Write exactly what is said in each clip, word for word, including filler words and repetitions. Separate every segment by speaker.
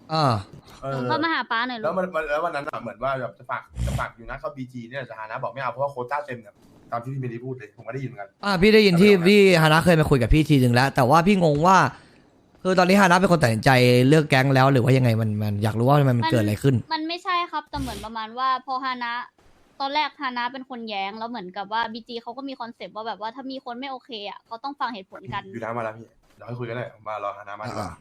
Speaker 1: อ่า
Speaker 2: เอ
Speaker 3: หนู
Speaker 2: อ
Speaker 3: ก็มาหาป้าหน่อย
Speaker 2: แล้
Speaker 3: ลู
Speaker 2: ว
Speaker 3: ก
Speaker 2: มันมันแล้ววันนั้นอะเหมือนว่าแบบจะฝากจะฝากอยู่นะเข้าบีจีเนี่ยจะหานะบอกไม่เอาเพราะว่าโควต้าเต็มเนี่ยตามที่พี่เมลี่พูดเลยผมก็ได้ยินเหมือนกัน
Speaker 1: อ่าพี่ได้ยินที่พี่ฮานะเคยมาคุยกับพี่ทีหนึ่งแล้ว แต่ว่าพี่งงว่าคือตอนนี้ฮานะเป็นคนตัดสินใจเลือกแก๊งแล้วหรือว่ายังไงมันมันอยากรู้ว่ามันมันเกิดอะไรขึ้น
Speaker 3: มันไม่ใช่ครับแต่เหมือนประมาณว่าพอฮานะ ตอนแรกฮานะเป็นคนแย้งแล้วเหมือนกับว่าบีจีเขาก็มีคอนเซปต์ว่าแบบว่าถ้ามีคนไม่โอเคอ่ะเขาต้องฟังเหตุผลกัน
Speaker 2: อยู่น้ำมาแล้วพี่เดี๋ยวให้คุยกันเลยมารอหาน้ำมาดีกว่า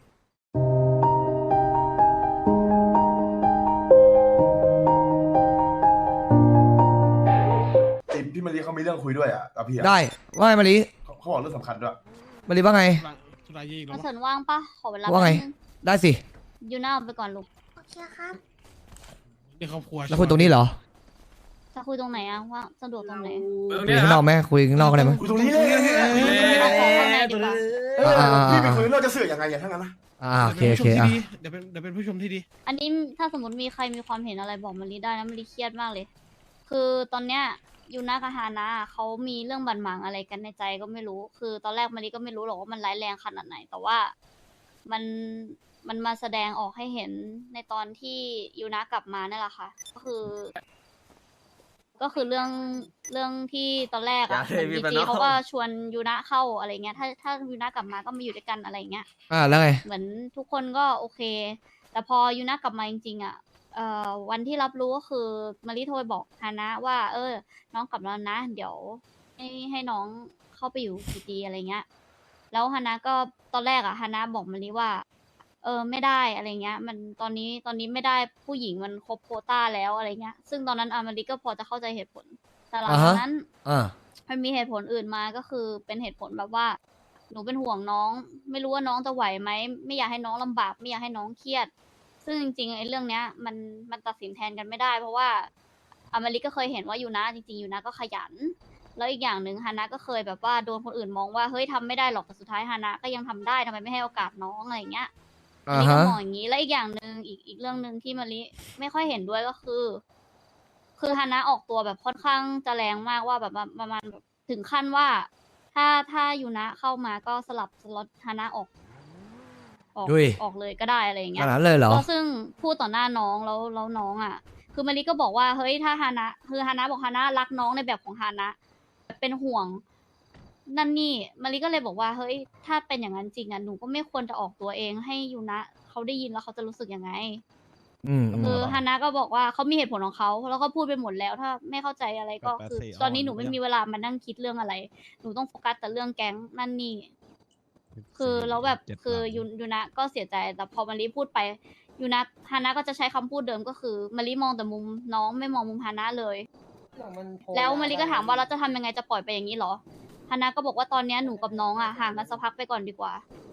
Speaker 2: ติดพี่มารีเขามีเรื่องคุยด้วยอ่ะกับพี่อ่ะ
Speaker 1: ได้ว่าไงมาริ
Speaker 2: เขาเขาบอกเรื่องสำคัญด้วย
Speaker 1: มาริว่าไง
Speaker 4: ธุระยี่อีกแล้
Speaker 3: มาว
Speaker 4: วะ
Speaker 3: เฉินว่างปะขอเวลา
Speaker 1: ว่าไง
Speaker 3: แป๊บนึ
Speaker 1: ได้สิ
Speaker 3: ยูน่าเอาไปก่อนลูก
Speaker 5: โอเคครับ
Speaker 4: ในครอบครัว
Speaker 1: แล้วคุยตรงนี้เหรอ
Speaker 3: จะคุยตรงไหนอะว่าสะดวกตรงไหน
Speaker 1: คุยข้างนอกไหมคุยข้างนอกก็ได้มั้ย
Speaker 2: คุยตรงนี้เลย
Speaker 3: เอาของข้างในดีกว่า
Speaker 2: เออพี่ไปคุยเราจะเสือกยังไงอย่างทั้งนั้นนะ
Speaker 1: อ่าโอเค
Speaker 4: เดี๋
Speaker 1: โอ
Speaker 4: ยว
Speaker 1: เค
Speaker 4: เป็นผู้ชมที่ดีเดี๋ยวเป็น
Speaker 1: อ่ะ
Speaker 4: เดี๋ยวเป็นผู้ชมที่ดี
Speaker 3: อันนี้ถ้าสมมติมีใครมีความเห็นอะไรบอกมารีได้นะมารีเครียดมากเลย คือตอนเนี้ยยูน่ากับฮานะเขามีเรื่องบันหมางอะไรกันในใจก็ไม่รู้ คือตอนแรกมารีก็ไม่รู้หรอกว่ามันร้ายแรงขนาดไหน แต่ว่ามันมันมาแสดงออกให้เห็นในตอนที่ยูน่ากลับมานั่นแหละค่ะ ก็คือ ก็คือเรื่องเรื่องที่ตอนแรกอะเหมือนบีจีเขาก็ชวนยูนะเข้าอะไรเงี้ย ถ้าถ้ายูนะกลับมาก็มาอยู่ด้วยกันอะไรเงี้ย
Speaker 1: อ่าแล้วไง
Speaker 3: เหมือนทุกคนก็โอเค แต่พอยูนะกลับมาจริงๆอ่ะ เอ่อวันที่รับรู้ก็คือมาริโทรไปบอกฮานะว่า เออ น้องกลับแล้วนะ เดี๋ยวให้ให้น้องเข้าไปอยู่พีจีอะไรเงี้ย แล้วฮานะก็ตอนแรกอ่ะฮานะบอกมาริว่า เออไม่ได้อะไรเงี้ย มันตอนนี้ตอนนี้ไม่ได้ผู้หญิงมันครบโควต้าแล้วอะไรเงี้ย ซึ่งตอนนั้นอามาริก็พอจะเข้าใจเหตุผล แต่หลังจากนั้น
Speaker 1: อ่า
Speaker 3: มันมีเหตุผลอื่นมาก็คือเป็นเหตุผลแบบว่า หนูเป็นห่วงน้อง ไม่รู้ว่าน้องจะไหวไหมไม่อยากให้น้องลำบากไม่อยากให้น้องเครียด ซึ่งจริงๆไอ้เรื่องเนี้ย มันมันตัดสินแทนกันไม่ได้ เพราะว่าอเมริกก็เคยเห็นว่ายูนะจริงๆยูนะก็ขยัน แล้วอีกอย่างหนึ่งฮานะก็เคยแบบว่าโดนคนอื่นมองว่าเฮ้ยทำไม่ได้หรอกแต่สุดท้ายฮานะก็ยังทำได้ทำไมไม่ให้โอกาสน้องอะไรอย่างเงี้ย อัน
Speaker 1: อ่า
Speaker 3: นี้ก็
Speaker 1: ฮะ
Speaker 3: มองอย่างนี้ และอีกอย่างหนึ่งอีกอีกเรื่องหนึ่งที่มาริไม่ค่อยเห็นด้วยก็คือ คือฮานะออกตัวแบบค่อนข้างจะแรงมากว่าแบบว่าประมาณแบบถึงขั้นว่า ถ้าถ้ายูนะเข้ามาก็สลับสล็อตฮานะออก ออก
Speaker 1: ดุย
Speaker 3: ออกเลยก็ได้อะไรอย่าง
Speaker 1: ข
Speaker 3: เงี้ย
Speaker 1: นาดนั้นเลยเหรอ
Speaker 3: แล้วซึ่งพูดต่อหน้าน้องแล้วแล้วน้องอ่ะ คือมาริก็บอกว่าเฮ้ยถ้าฮานะคือฮานะบอกฮานะรักน้องในแบบของฮานะเป็นห่วง นั่นนี่มาริก็เลยบอกว่าเฮ้ยถ้าเป็นอย่างนั้นจริงอ่ะหนูก็ไม่ควรจะออกตัวเองให้ยูนะเขาได้ยินแล้วเขาจะรู้สึกยังไง
Speaker 1: อืมอืม
Speaker 3: คือฮานะก็บอกว่าเขามีเหตุผลของเขาแล้วก็พูดไปหมดแล้ว ถ้าไม่เข้าใจอะไรก็คือ ตอนนี้หนูไม่มีเวลามานั่งคิดเรื่องอะไร หนูต้องโฟกัสแต่เรื่องแก๊งนั่นนี่ คือแล้วแบบคือยูยูนะก็เสียใจแต่พอมารีพูดไปยูนะฮานะก็จะใช้คำพูดเดิมก็คือมารีมองแต่มุมน้องไม่มองมุมฮานะเลย แล้วมารีก็ถามว่าเราจะทำยังไงจะปล่อยไปอย่างนี้เหรอฮานะก็บอกว่าตอนเนี้ยหนูกับน้องอ่ะห่างกันสักพักไปก่อนดีกว่า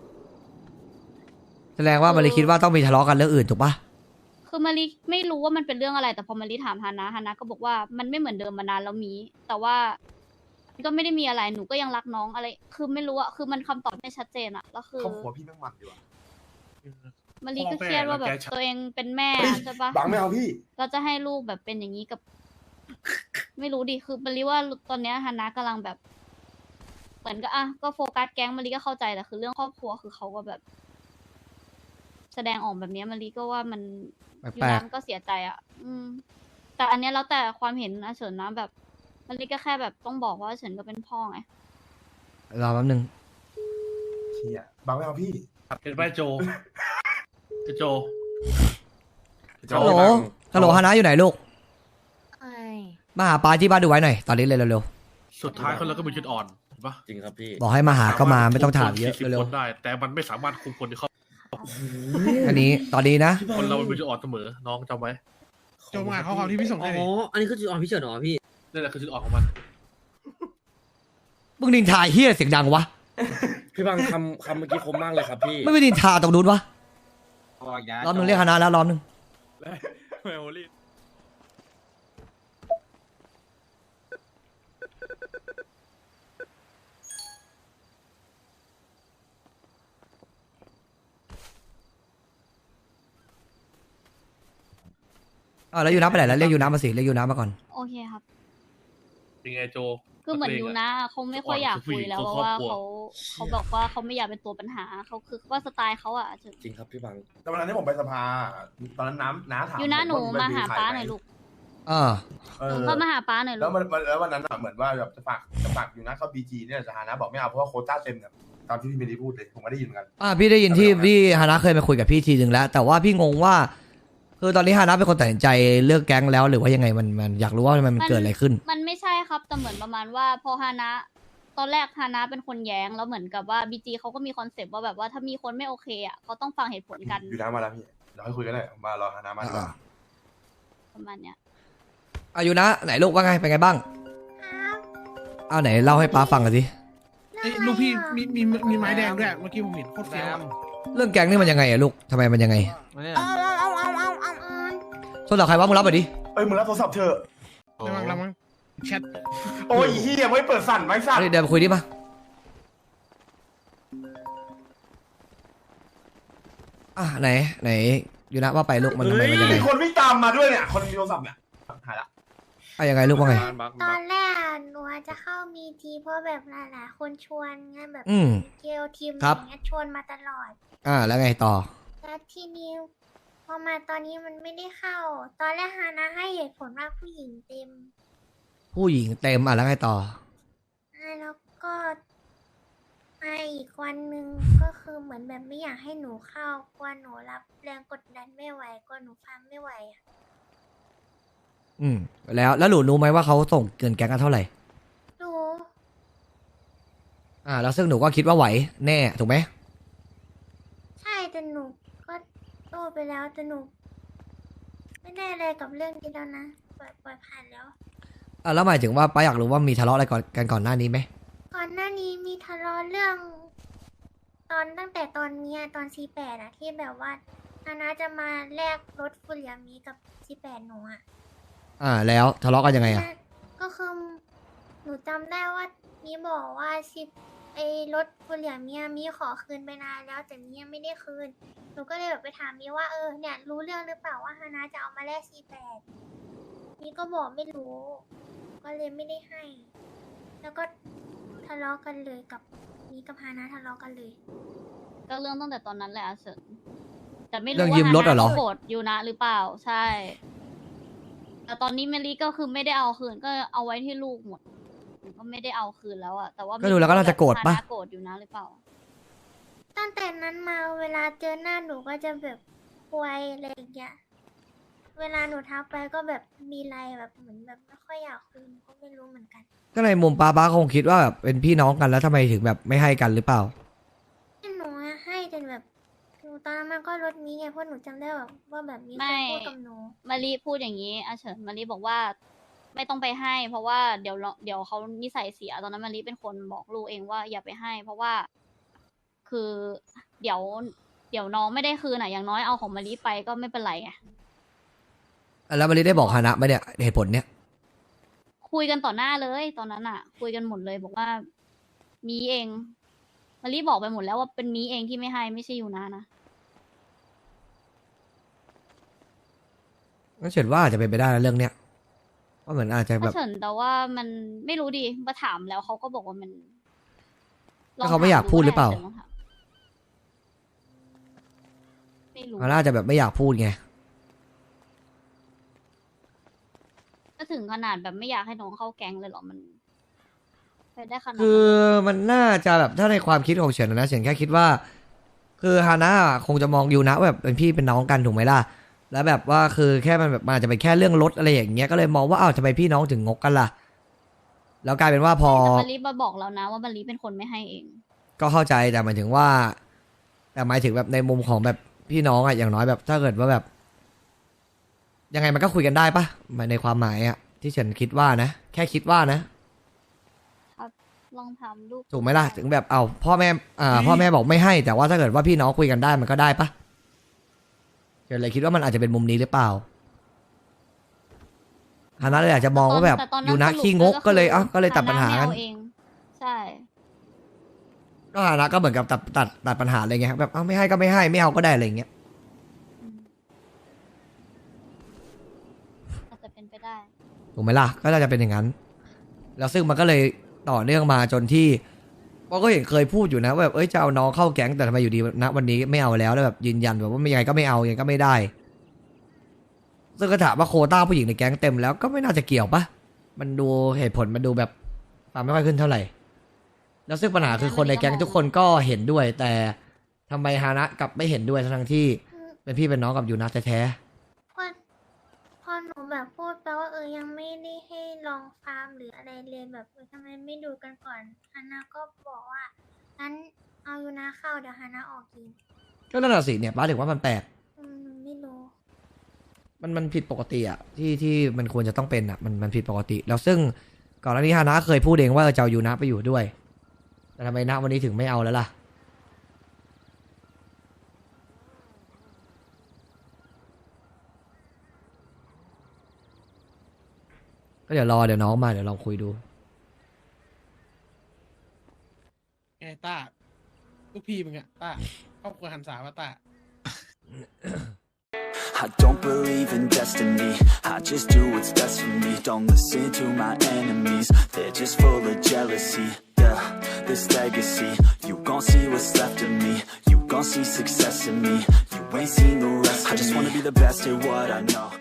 Speaker 1: แสดงว่ามาริคิดว่าต้องมีทะเลาะกันเรื่องอื่นถูกปะ
Speaker 3: คือมารีไม่รู้ว่ามันเป็นเรื่องอะไรแต่พอมารีถามฮานะฮานะก็บอกว่ามันไม่เหมือนเดิมมานานแล้วมี แต่ว่าก็ไม่ได้มีอะไรหนูก็ยังรักน้องอะไร คือไม่รู้อะคือมันคำตอบไม่ชัดเจนอะแล้วคือ
Speaker 2: ครอบครัวพี่แม่งมันดีว่ะ
Speaker 3: มารีก็เครียดว่าแบบตัวเองเป็นแม่อะใช่ปะ
Speaker 2: บังไม่เอาพี่
Speaker 3: เราจะให้ลูกแบบเป็นอย่างนี้กับ ไม่รู้ดิคือมารีว่าตอนเนี้ยฮานะกำลังแบบ เหมือนก็อ่ะก็โฟกัสแก๊งมารีก็เข้าใจแต่คือเรื่องครอบครัวคือเขาก็แบบ แสดงออกแบบเนี้ยมารีก็ว่ามัน
Speaker 1: แปลกๆ
Speaker 3: ยูนะก็เสียใจอ่ะ อืม แต่อันเนี้ยแล้วแต่ความเห็นอาเฉินนะแบบมารีก็แค่แบบต้องบอกว่าอาเฉินก็เป็นพ่อไง
Speaker 1: รอแป๊บนึง
Speaker 2: เชี่ยบังไม่เอาพี่
Speaker 6: เป็นไปโจโจ
Speaker 1: ฮัลโหล ฮัลโหลฮานะอยู่ไหนลูก
Speaker 5: ไอ้
Speaker 1: มาหาปาที่บ้านดูไว้หน่อย ตอนนี้เลยเร็ว
Speaker 6: สุดท้ายคนเราก็มีจุดอ่อนเห็นปะ
Speaker 7: จริงครับพี่
Speaker 1: ๆ บอกให้มาหาก็มาไม่ต้องถามเยอะ
Speaker 6: คุมคน
Speaker 1: เร็ว
Speaker 6: คนได้ แต่มันไม่สามารถคุมคนที่เขา
Speaker 1: ๆอันนี้ ตอนนี้นะ
Speaker 6: คนเรามันมีจุดอ่อนเสมอ น้องจำไว้
Speaker 4: โจมาข้อความที่พี่ส่ง
Speaker 7: อ๋
Speaker 4: ให้ดิ
Speaker 7: อ อันนี้คือจุดอ่อนพี่เฉินเหรอพี่
Speaker 6: นั่นแหละคือจุดอ่อนของมัน
Speaker 1: มึงนินทาเฮียเสียงดังวะ
Speaker 7: พี่บางคำคำเมื่อกี้คมมากเลยครับพี่
Speaker 1: ไม่ไปนินทาตรงนู้นวะ รอบนึงเรียกฮานะแล้วรอบนึง
Speaker 6: แมวรี
Speaker 1: อ่าแล้วยูน้ำไปไหนแล้วเรียกยูน้ำมาสิเรียกยูน้ำมาก่อน
Speaker 3: โอเคครับ
Speaker 6: เป็นไงโจ
Speaker 3: คือเหมือน
Speaker 6: นักเลง
Speaker 3: ยู
Speaker 6: อะ
Speaker 3: นะเขาไม่ค่อยอยากคุยแล้ว
Speaker 6: อ่อน
Speaker 3: เพราะว่า
Speaker 6: คือผู้หญิง
Speaker 3: เขาเขาบอกว่าเขาไม่อยากเป็นตัวปัญหาเขาคือว่าสไตล์เขาอะถึง
Speaker 7: จริงครับพี่บัง
Speaker 2: แต่วันนั้นที่ผมไปสภา ตอนนั้นน้ำน้าถาม
Speaker 3: ยูนะ
Speaker 2: ผ
Speaker 3: หนู
Speaker 2: ว่
Speaker 3: มาหา
Speaker 2: ใคร
Speaker 3: ป้า
Speaker 2: ไห
Speaker 3: หน่อยลูก
Speaker 1: อ่า
Speaker 2: เอ
Speaker 3: หนู
Speaker 2: อ
Speaker 3: ก็มาหาป้าหน่อยลู
Speaker 2: แล้ว
Speaker 3: ก
Speaker 2: มันมันแล้ววันนั้นอะเหมือนว่าแบบจะฝากจะฝากยูนะเข้าบีจีเนี่ยจะหานะบอกไม่เอาเพราะว่าโควต้าเต็มเนี่ยตามที่พี่เมลีพูดเลยผมก็ได้ยินเหมือนกัน
Speaker 1: อ่าพี่ได้ยินที่ที่ฮานะเคยไปคุยกับพี่ทีหนึ่งแล้ว แต่ว่าพี่งงว่า คือตอนนี้ฮานะเป็นคนตัดสินใจเลือกแก๊งแล้วหรือว่ายังไงมันมันอยากรู้ว่ามันมันเกิดอะไรขึ้น
Speaker 3: มันไม่ใช่ครับแต่เหมือนประมาณว่าพอฮานะ ตอนแรกฮานะเป็นคนแย้งแล้วเหมือนกับว่าบีจีเขาก็มีคอนเซปต์ว่าแบบว่าถ้ามีคนไม่โอเคอะเขาต้องฟังเหตุผลกัน
Speaker 2: อยู่น้ำมาแล้วพี่เดี๋ยวให้คุยกันเลยมารอหาน้ำมาดีกว่า
Speaker 3: ประมาณเนี้ย
Speaker 1: อายุนะไหนลูกว่าไงเป็นไงบ้าง
Speaker 5: ครับ
Speaker 1: เอาไหนเล่าให้ป้าฟังกันสิ
Speaker 5: เรื่
Speaker 4: เอ้
Speaker 5: อย งอะไร
Speaker 4: ลูกพี่
Speaker 5: อ่ะ
Speaker 4: มีมีมีไม้แดงด้วยเมื่อกี้ผมเห็นโคตรเฟี้ยวอะ
Speaker 1: เรื่องแก๊งนี่มันยังไงอะลูกทำไมมันยังไง
Speaker 5: เอาเอาเอาเอาเอาเอาเอา
Speaker 1: โทรศัพท์ใครว่ามึงรับไปดิ
Speaker 2: เอ้ยมึงรับโทรศัพท์เถอะ
Speaker 4: ระวังระวังแชท
Speaker 2: โอ้ยเฮียไม่เปิดสั่นไม่สั่น
Speaker 1: เดี๋ยวไปคุยดิมาอ่ะไหนไหนอยู่นะว่าไปลูกมันทำไมมันยังไง
Speaker 2: มีคนวิ่งตามมาด้วยเนี่ยคนมีโทรศัพท์เนี่ยหายละ
Speaker 1: อ่ะยังไงลูกว่าไง
Speaker 5: ตอนแรกหนูอาจจะเข้ามีทีเพราะแบบหลายๆคนชวนไงแบบ
Speaker 1: อืม
Speaker 5: เกลทีม
Speaker 1: ครับ
Speaker 5: อย่างเงี้ยชวนมาตลอด
Speaker 1: อ่าแล้วไงต่อ
Speaker 5: แล้วทีนี้พอมาตอนนี้มันไม่ได้เข้า ตอนแรกฮานะให้เหตุผลว่าผู้หญิงเต็ม
Speaker 1: ผู้หญิงเต็มอ่ะแล้วไงต่อ
Speaker 5: อ่าแล้วก็มาอีกวันหนึ่งก็คือเหมือนแบบไม่อยากให้หนูเข้ากลัวหนูรับแรงกดดันไม่ไหวกลัวหนูฟังไม่ไหวอะ
Speaker 1: อืมแล้วแล้วหนูรู้ไหมว่าเขาส่งเกินแก๊งกันเท่าไหร่
Speaker 5: หนู
Speaker 1: อ่าแล้วซึ่งหนูก็คิดว่าไหวแน่ถูกไหม
Speaker 5: ใช่แต่หนูก็โตไปแล้วแต่หนู ไม่ได้อะไรกับเรื่องนี้แล้วนะปล่อยปล่อยผ่านแล้ว
Speaker 1: อ่าแล้วหมายถึงว่าป้าอยากรู้ว่ามีทะเลาะอะไรก่อนกันก่อนหน้านี้ไหม
Speaker 5: ก่อนหน้านี้มีทะเลาะเรื่อง ตอนตั้งแต่ตอนเนี้ยตอนซีแปดอะที่แบบว่านานาจะมาแลกรถฟุเรียมีกับซีแปดหนูอะ
Speaker 1: อ่าแล้วทะเลาะกันยังไงอ่ะ
Speaker 5: ก็คือหนูจำได้ว่ามีบอกว่าชิปไอ้รถฟุเรียมีมีขอคืนไปนานแล้วแต่มียังไม่ได้คืน หนูก็เลยแบบไปถามมีว่าเออเนี่ยรู้เรื่องหรือเปล่าว่าฮานาจะเอามาแลกซีแปดมีก็บอกไม่รู้ ก็เลยไม่ได้ให้ แล้วก็ทะเลาะกันเลยกับมีกับฮานาทะเลาะกันเลย
Speaker 3: ก็เรื่องตั้งแต่ตอนนั้นแหละอาเฉินแต่ไม่
Speaker 1: เรื่
Speaker 3: รู้
Speaker 1: อง
Speaker 3: ว่า
Speaker 1: ยืมรถอะเหรอ
Speaker 3: ฮานาโกรธยูนะหรือเปล่าใช่ แต่ตอนนี้เมลี่ก็คือไม่ได้เอาคืนก็เอาไว้ที่ลูกหมดก็ไม่ได้เอาคืนแล้วอะแต่ว่า
Speaker 1: ก็ดูแล้วก็น่าจะโกรธปะ
Speaker 3: ฮานาโกรธยูนะหรือเปล่า
Speaker 5: ตั้งแต่นั้นมาเวลาเจอหน้าหนูก็จะแบบป่วยอะไรอย่างเงี้ย เวลาหนูทักไปก็แบบมีไรแบบเหมือนแบบไม่ค่อยอยากคุยก็ไม่รู้เหมือนกัน
Speaker 1: ก็ในมุมป้าป้าคงคิดว่าแบบเป็นพี่น้องกันแล้วทำไมถึงแบบไม่ให้กันหรือเปล่า
Speaker 5: ที่หนูอะให้จนแบบหนูตอนนั้นมันก็รถมีไงเพราะหนูจำได้แบบว่าแบบมีค
Speaker 3: ไม่
Speaker 5: นพูดกับหนู
Speaker 3: มารีพูดอย่างนี้อาเฉินมารีบอกว่า ไม่ต้องไปให้ เพราะว่าเดี๋ยวเราเดี๋ยวเขานิสัยเสียตอนนั้นมารีเป็นคนบอกลูกเองว่าอย่าไปให้ เพราะว่า คือเดี๋ยว เดี๋ยวน้องไม่ได้คืนอ่ะอย่างน้อยเอาของมารีไปก็ไม่เป็นไรไง
Speaker 1: แล้วมาริได้บอกฮานะไหมเนี่ยเหตุผลเนี้ย
Speaker 3: คุยกันต่อหน้าเลย ตอนนั้นอ่ะ คุยกันหมดเลยบอกว่า มีเองมารีบอกไปหมดแล้วว่าเป็นมีเองที่ไม่ให้ไม่ใช่ยูนานะ
Speaker 1: งั้นเฉินว่าอาจจะเป็นไปได้นะเรื่องเนี้ยว่าเหมือนอาจจะแบ
Speaker 3: ถ้า
Speaker 1: บ
Speaker 3: เฉินแต่ว่ามันไม่รู้ดิมาถามแล้วเขาก็บอกว่ามัน
Speaker 1: ก็เขาไม่อยากพูดหรือเปล่า
Speaker 3: ฉินลงถมไม่รู้
Speaker 1: ฮานะอาจจะแบบไม่อยากพูดไง
Speaker 3: ก็ถึงขนาดแบบไม่อยากให้น้องเข้าแก๊งเลยเหรอมันไปได้ขนาดนั้น
Speaker 1: คือมันน่าจะแบบถ้าในความคิดของเฉินนะเฉินแค่คิดว่า คือฮานะคงจะมองยูนะว่าแบบเป็นพี่เป็นน้องกันถูกไหมล่ะ แล้วแบบว่าคือแค่มันแบบมันอาจจะเป็นแค่เรื่องรถอะไรอย่างเงี้ยก็เลยมองว่าอ้าวทำไมพี่น้องถึงงกกันล่ะ แล้วกลายเป็นว่าพอ
Speaker 3: แต่มารีมาบอกแล้วนะว่ามารีเป็นคนไม่ให้เอง
Speaker 1: ก็เข้าใจแต่หมายถึงว่า แต่หมายถึงแบบในมุมของแบบพี่น้องอะอย่างน้อยแบบ ถ้าเกิดว่าแบบ ยังไงมันก็คุยกันได้ปะในความหมายอะที่เฉินคิดว่านะแค่คิดว่านะ
Speaker 3: ลองทำลูก
Speaker 1: ถูกไหมล่ะถึงแบบเอาพ่อแม่อ่าพ่อแม่บอกไม่ให้ แต่ว่าถ้าเกิดว่าพี่น้องคุยกันได้มันก็ได้ปะเฉินเลยคิดว่ามันอาจจะเป็นมุมนี้หรือเปล่าฮานะเลยอาจจะมองว่าแบบ
Speaker 3: ต่ตอ
Speaker 1: ยูนะ
Speaker 3: สรุป
Speaker 1: ขี้งกก็เลยเอ้าก็เลยตัดปัญหา
Speaker 3: ฮ
Speaker 1: กัน
Speaker 3: ไม่เอเอง ใช่
Speaker 1: ก็ฮานะก็เหมือนกับตัดตัดตัดปัญหาอะไรเงี้ยแบบเอาไม่ให้ก็ไม่ให้ไม่เอาก็ได้อะไรเงี้ย
Speaker 3: อืมอาจจะเป็นไปได้
Speaker 1: ถูกไหมล่ะก็น่าจะเป็นอย่างนั้นแล้วซึ่งมันก็เลยต่อเนื่องมาจนที่ก็ก็เห็นเคยพูดอยู่นะว่าแบบเอ้ยจะเอาน้องเข้าแก๊งแต่ทำไมอยู่ดีณวันนี้ไม่เอาแล้วแล้วแบบยืนยันแบบว่าไม่ยังไงก็ไม่เอายังไงก็ไม่ได้ซึ่งก็ถามว่าโควต้าผู้หญิงในแก๊งเต็มแล้วก็ไม่น่าจะเกี่ยวปะมันดูเหตุผลมันดูแบบฟังไม่ค่อยขึ้นเท่าไหร่แล้วซึ่งปัญหาคือคนในแก๊งทุกคนก็เห็นด้วย แต่ทำไมฮานะกลับไม่เห็นด้วยทั้งที่เป็นพี่เป็นน้องกับยูนะแท้
Speaker 5: พอพอหนูแบบพูดไปว่าเออยังไม่ได้ให้ลองฟาร์มหรืออะไรเลยแบบเออทำไมไม่ดูกันก่อนฮานาก็บอกว่างั้นเอายูนาเข้าเดี๋ยวฮานาออกกิน
Speaker 1: ๆก็นั่นแหละสิเนี่ยป้าถึงว่ามันแปลก
Speaker 5: อืมไม่รู้
Speaker 1: มันมันผิดปกติอ่ะที่ที่มันควรจะต้องเป็นอ่ะมันมันผิดปกติ แล้วซึ่งก่อนหน้านี้ฮานะเคยพูดเองว่าเออจะเอายูนะไปอยู่ด้วยแต่ทำไมณวันนี้ถึงไม่เอาแล้วล่ะก็เดี๋ยวรอเดี๋ยวน้องมาเดี๋ยวลองคุยดู
Speaker 4: ไงต้าลูกพี่มึงอะต้าครอบครัวหันสาว่าต้า
Speaker 8: I don't believe in destiny, I just do what's best for me. Don't listen to my enemies, they're just full of jealousy. Yeah, this legacy, you gon' see what's left of me. You gon' see success in me, you ain't seen the rest of me. I just wanna be the best at what I know.